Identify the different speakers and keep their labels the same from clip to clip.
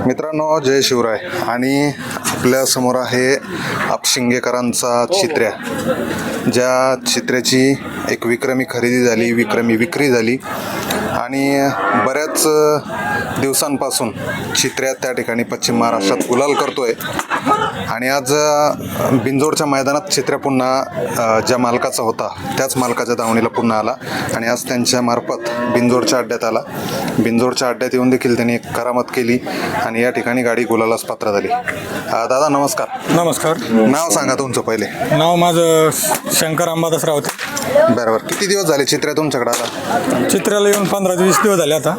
Speaker 1: मित्रांनो, जय शिवराय. आणि आपल्या समोर आहे आपशिंगेकरांचा चित्र्या, ज्या चित्र्याची एक विक्रमी खरेदी झाली, विक्रमी विक्री झाली आणि बऱ्याच दिवसांपासून चित्र्या त्या ठिकाणी पश्चिम महाराष्ट्रात गुलाल करतोय. आणि आज बिंजोडच्या मैदानात चित्र्या पुन्हा ज्या मालकाचा होता त्याच मालकाच्या दावणीला पुन्हा आला आणि आज त्यांच्या मार्फत बिंजोडच्या अड्ड्यात आला. बिंजोडच्या अड्ड्यात येऊन देखील त्यांनी एक करामत केली आणि या ठिकाणी गाडी गुलालास पात्र झाली. दादा नमस्कार.
Speaker 2: नमस्कार.
Speaker 1: नाव सांगा तुमचं पहिले.
Speaker 2: नाव माझं शंकर अंबादास रावते.
Speaker 1: बरोबर. किती दिवस झाले चित्र्या तुमच्याकडे आला?
Speaker 2: चित्राला येऊन 15-20 दिवस झाले आता.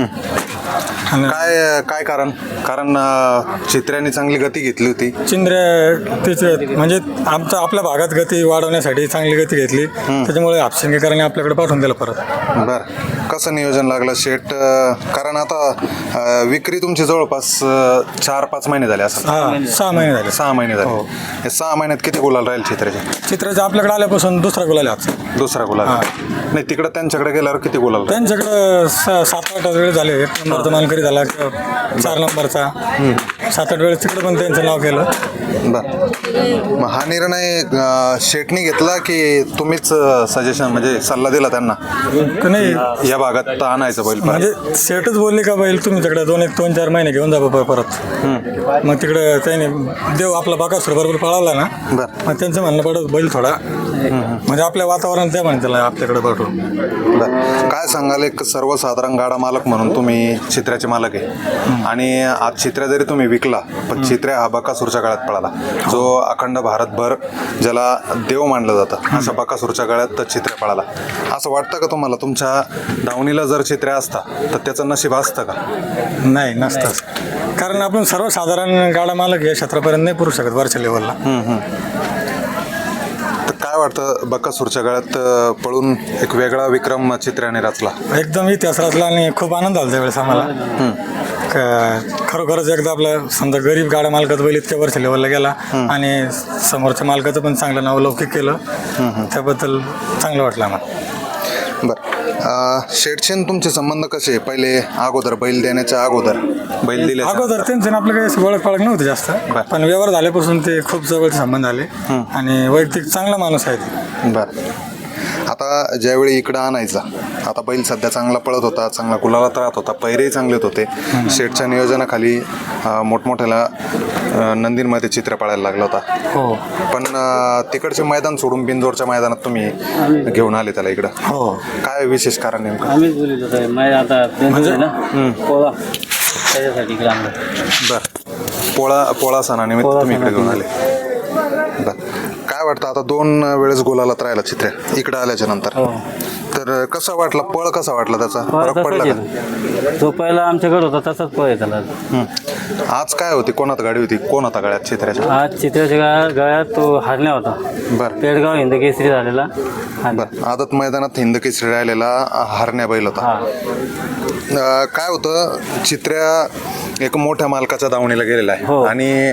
Speaker 1: काय कारण चित्र्याने चांगली गती घेतली होती.
Speaker 2: चिंद्र्या तिचे म्हणजे आपल्या भागात गती वाढवण्यासाठी चांगली गती घेतली, त्याच्यामुळे आपशिंगेकरांनी आपल्याकडे पाठवून दिलं परत.
Speaker 1: बरं. कसं नियोजन लागलं शेट? कारण आता विक्री तुमची जवळपास 4-5 महिने झाले असं.
Speaker 2: 6 महिने झाले.
Speaker 1: 6 महिने झाले. हे 6 महिन्यात किती गुलाल राहील चित्र्याचे?
Speaker 2: चित्राच्या आपल्याकडे आल्यापासून दुसरा गुलाल आहे आज.
Speaker 1: दुसरा गुलाल नाही. तिकडं त्यांच्याकडे गेल्यावर किती गुलाल?
Speaker 2: त्यांच्याकडं 7-8 वेळ झाले. 1 नंबरचा मानकरी झाला, 4 नंबरचा, 7-8 वेळेस तिकडे पण त्यांचं नाव केलं.
Speaker 1: बरं. मग हा निर्णय शेटनी घेतला की तुम्हीच सजेशन म्हणजे सल्ला दिला त्यांना
Speaker 2: नाही,
Speaker 1: या भागात आणायचं बैल?
Speaker 2: म्हणजे सेटच बोलले का बैल तुम्ही तिकडे 2-4 महिने घेऊन जा परत. मग तिकडे त्याने देव आपला बाकासूर बरोबर पळाला ना.
Speaker 1: बरं.
Speaker 2: मग त्यांचं म्हणणं पडत बैल थोडा म्हणजे आपल्या वातावरण त्या म्हणते आपल्याकडे पाठवून.
Speaker 1: बरं. काय सांगाल, एक सर्वसाधारण गाडा मालक म्हणून तुम्ही चित्र्याचे मालक आहे आणि आज चित्र्या जरी तुम्ही विकला पण चित्र्या हा बकासूरच्या काळात पळाला, जो अखंड भारतभर ज्याला देव मानलं जातं, अशा बकासूरच्या काळात चित्र्या पळाला. असं वाटतं का तुम्हाला तुमच्या दावणीला जर चित्र्या असता तर त्याचं नशीब असतं का?
Speaker 2: नाही, नसतंच. कारण आपण सर्वसाधारण गाडा मालक या क्षेत्रापर्यंत नाही पुरू शकत वरच्या लेवलला.
Speaker 1: काय वाटतं, बकासूरच्या काळात पळून एक वेगळा विक्रम चित्र्याने रचला?
Speaker 2: एकदम इतिहास रचला आणि खूप आनंद झाला त्यावेळेस आम्हाला. खरोखरच एकदा आपलं समजा गरीब गाड्या मालकाचं बैल इतक्या वर्ष लेवलला गेला आणि समोरच्या मालकाचं पण चांगलं नाव लौकिक केलं, त्याबद्दल चांगलं वाटलं आम्हाला.
Speaker 1: बरं. शेठचे तुमचे संबंध कसे? पहिले अगोदर बैल देण्याच्या अगोदर बैल दिले
Speaker 2: अगोदर त्यांचं आपलं काही ओळख पाळख नव्हती जास्त, पण व्यवहार झाल्यापासून ते खूप जवळचे संबंध आले आणि वैयक्तिक चांगला माणूस आहे ते.
Speaker 1: बरं. आता ज्यावेळी इकडं आणायचा, आता बैल सध्या चांगला पळत होता, चांगला गुलालात राहत होता, पैरेही चांगलेच होते. शेठच्या नियोजनाखाली मोठमोठ्याला नंदींमध्ये चित्र पाळायला लागला होता.
Speaker 2: हो. पण
Speaker 1: तिकडचे मैदान सोडून बिंजोडच्या मैदानात तुम्ही घेऊन आले त्याला इकडं.
Speaker 2: हो.
Speaker 1: काय विशेष कारण नेमकं?
Speaker 3: आम्हीच बोलत होतो आता पोळा त्याच्यासाठी इकडे आणलं.
Speaker 1: बरं. पोळा सणानिमित्त तुम्ही इकडे घेऊन आले. बरं. काय वाटतं, आता 2 वेळेस गुलालात राहिला चित्र्या इकडे आल्याच्या नंतर, तर कसं वाटलं? पळ कसा वाटला त्याचा? फरक पडला का?
Speaker 3: तो पहिला आमच्याकडे होता तसाच पळ आहे त्याला.
Speaker 1: आज काय होती, कोणात गाडी होती, कोण होता गळ्यात चित्र्याच्या?
Speaker 3: आज चित्राच्या गळ्यात तो हरण्या होता.
Speaker 1: बरं.
Speaker 3: पेडगाव हिंदकेसरी झालेला.
Speaker 1: बरं. आदत मैदानात हिंदकेसरी राहिलेला हरण्या बैल होता. काय होतं, चित्र्या एक मोठ्या मालकाच्या दावणीला गेलेला आहे आणि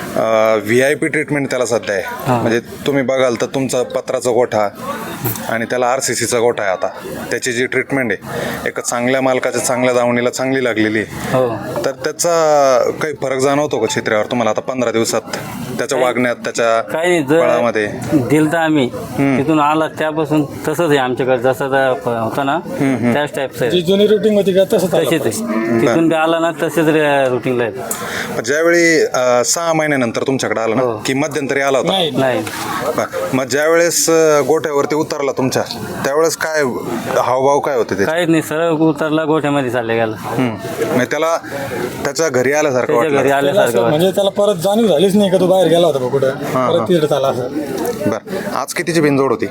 Speaker 1: VIP ट्रीटमेंट त्याला सध्या आहे. म्हणजे तुम्ही बघाल तर तुमचा पत्राचा गोठा आणि त्याला RCCचा गोठा आहे. आता त्याची जी ट्रीटमेंट आहे एका चांगल्या मालकाच्या चांगल्या दावणीला चांगली लागलेली आहे. तर त्याचा काही फरक जाणवतो का चित्र्यावर तुम्हाला आता 15 दिवसात, त्याच्या वागण्यात, त्याच्या बळामध्ये?
Speaker 3: दिल तर आम्ही तिथून आला त्यापासून तसंच आहे आमच्याकडे, जसं होता ना त्याच टाईपचं
Speaker 2: जी जुनी रुटीन होती का तसंच
Speaker 3: तसेच आहे. तिथून आला ना तसेच रुटीनला आहे.
Speaker 1: ज्यावेळी 6 महिन्यानंतर तुमच्याकडे आला ना की मध्यंतरी आला होता?
Speaker 3: नाही.
Speaker 1: मग ज्यावेळेस गोठ्यावरती उतरला तुमच्या, त्यावेळेस काय हावभाव काय होते?
Speaker 3: काहीच नाही, सरळ उतरला गोठ्यामध्ये चालले गेला.
Speaker 1: म्हणजे त्याला त्याच्या घरी आल्यासारखं वाटलं?
Speaker 3: घरी आल्यासारखं
Speaker 2: म्हणजे त्याला परत जाणीव झालीच नाही का तो बाहेर गेला होता कुठं, परत तिकडे आला असं.
Speaker 1: बरं. आज कितीची बिनजोड होती?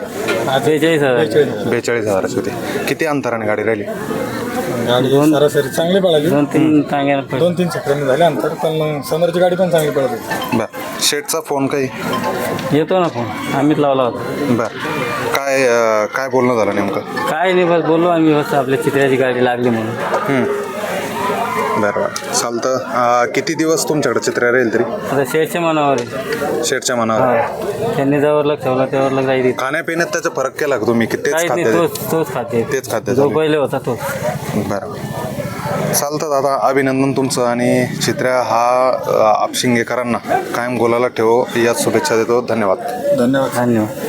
Speaker 1: 42,000ची होती. किती अंतराने गाडी राहिली?
Speaker 2: गाडी सरासरी चांगली पळाली,
Speaker 3: 2-3
Speaker 2: सेकंद झाले अंतर, पण मग समोरची गाडी पण चांगली पळत होती.
Speaker 1: बरं. शेटचा फोन काही
Speaker 3: येतो ना फोन, आम्हीच लावला होता.
Speaker 1: बरं. काय बोलणं झालं नेमकं?
Speaker 3: काय नाही, बस बोललो आम्ही, बस आपल्या चित्र्याची गाडी लागली म्हणून.
Speaker 1: बरोबर. चालतं. किती दिवस तुमच्याकडे चित्र राहील तरी?
Speaker 3: आता शेठच्या मनावर आहे.
Speaker 1: शेठच्या मनावर.
Speaker 3: त्यांनी जवळ लक्ष ठेवला त्यावर लक्ष जाईल.
Speaker 1: खाण्यापिण्यात त्याचा फरक केला का तुम्ही की तेच खाते?
Speaker 3: तोच खाते,
Speaker 1: तेच खाते
Speaker 3: जो पहिले होता तोच.
Speaker 1: बरोबर. चालतं दादा, अभिनंदन तुमचं. आणि चित्र्या हा आपशिंगेकरांना कायम गोलाला ठेवो याच शुभेच्छा देतो. धन्यवाद.
Speaker 2: धन्यवाद.
Speaker 3: धन्यवाद.